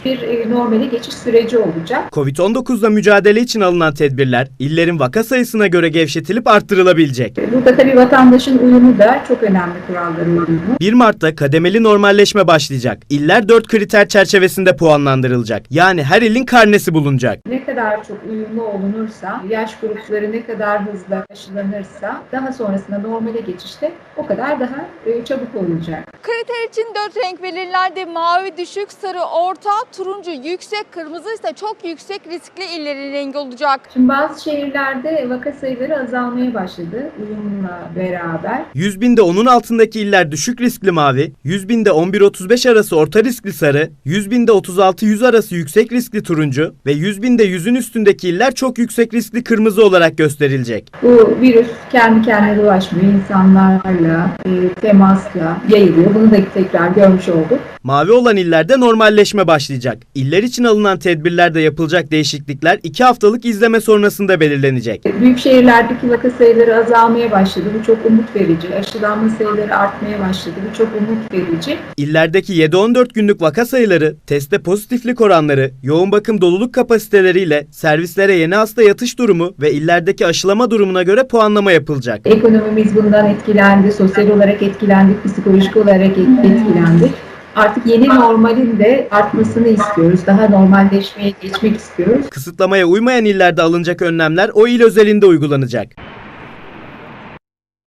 bir normale geçiş süreci olacak. Covid-19'la mücadele için alınan tedbirler illerin vaka sayısına göre gevşetilip arttırılabilecek. Burada tabii vatandaşın uyumu da çok önemli, kuralların uyumu. 1 Mart'ta kademeli normalleşme başlayacak. İller 4 kriter çerçevesinde puanlandırılacak. Yani her ilin karnesi bulunacak. Ne kadar çok uyumlu olunursa, yaş grupları ne kadar hızlı aşılanırsa daha sonrasında normale geçişte o kadar daha çabuk olacak. Kriter için 4 renk belirlendi. Mavi düşük, sarı orta, turuncu yüksek, kırmızı ise çok yüksek riskli illerin rengi olacak. Şimdi bazı şehirlerde vaka sayıları azalmaya başladı uyumla beraber. 100 binde 10'un altındaki iller düşük riskli mavi, 100 binde 11-35 arası orta riskli sarı, 100 binde 36-100 arası yüksek riskli turuncu ve 100 binde 100'ün üstündeki iller çok yüksek riskli kırmızı olarak gösterilecek. Bu virüs kendi kendine dolaşmıyor, insanlarla, temasla yayılıyor. Bunu da tekrar görmüş olduk. Mavi olan illerde normalleşme başlayacak. İller için alınan tedbirlerde yapılacak değişiklikler 2 haftalık izleme sonrasında belirlenecek. Büyük şehirlerdeki vaka sayıları azalmaya başladı. Bu çok umut verici. Aşılanma sayıları artmaya başladı. Bu çok umut verici. İllerdeki 7-14 günlük vaka sayıları, teste pozitiflik oranları, yoğun bakım doluluk kapasiteleriyle servislere yeni hasta yatış durumu ve illerdeki aşılama durumuna göre puanlama yapılacak. Ekonomimiz bundan etkilendi, sosyal olarak etkilendik, psikolojik olarak etkilendik. Artık yeni normalin de artmasını istiyoruz. Daha normalleşmeye geçmek istiyoruz. Kısıtlamaya uymayan illerde alınacak önlemler o il özelinde uygulanacak.